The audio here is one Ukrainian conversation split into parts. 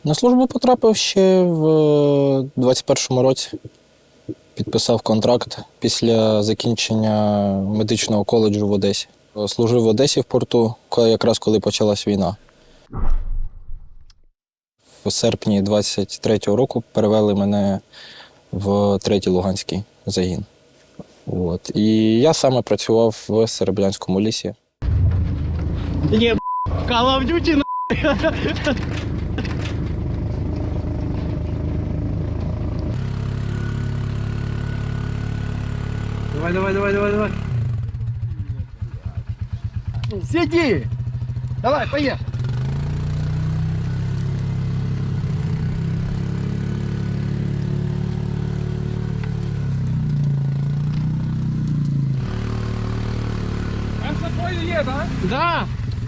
На службу потрапив ще в 21-му році. Підписав контракт після закінчення медичного коледжу в Одесі. Служив в Одесі в порту, якраз коли почалась війна. У серпні 23-го року перевели мене в 3-й Луганський загін. От. І я саме працював в Серебрянському лісі. Є, Call of Duty, на. Давай. Сиди! Давай, поехали! Да!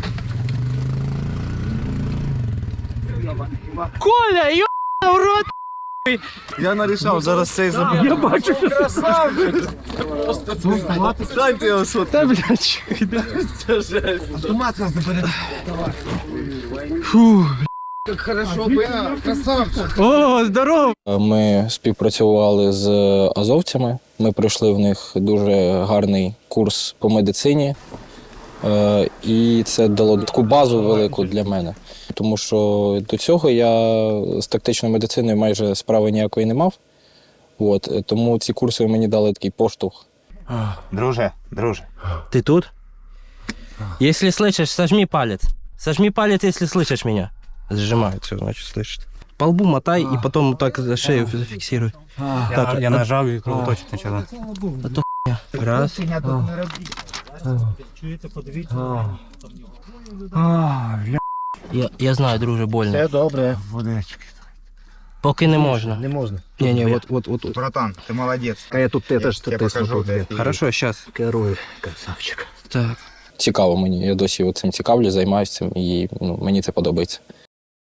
Коля, ё**, в рот! Я нарішав, зараз цей забув. Я бачу, що Красавчик! Станьте його, що та, блядь, це жесть. автомат нас забере. Фу. Як хорошо, красавчик. О, здорово! Ми співпрацювали з азовцями. Ми пройшли в них дуже гарний курс по медицині. І це дало таку базу велику для мене. Тому що до цього я з тактичною медициною майже справи ніякої не мав. От, тому ці курси мені дали такий поштовх. Друже. Ты тут? Если слышишь, сожми палец. Сожми палец, если слышишь меня. Сжимает, все, значит, слышит. По лбу мотай и потом вот так за шею зафиксируй. Так, Я нажав і кровоточить почала. Раз. Я знаю, друже, больно. Все добре. Водички. Поки не можна. Не можна. Не, вот. Братан, ти молодець. А я тут теж Я покажу, де ти. Хорошо, сейчас. керую. Красавчик. Так. Цікаво мені, я досі цим цікавлюсь, займаюся цим і мені це подобається.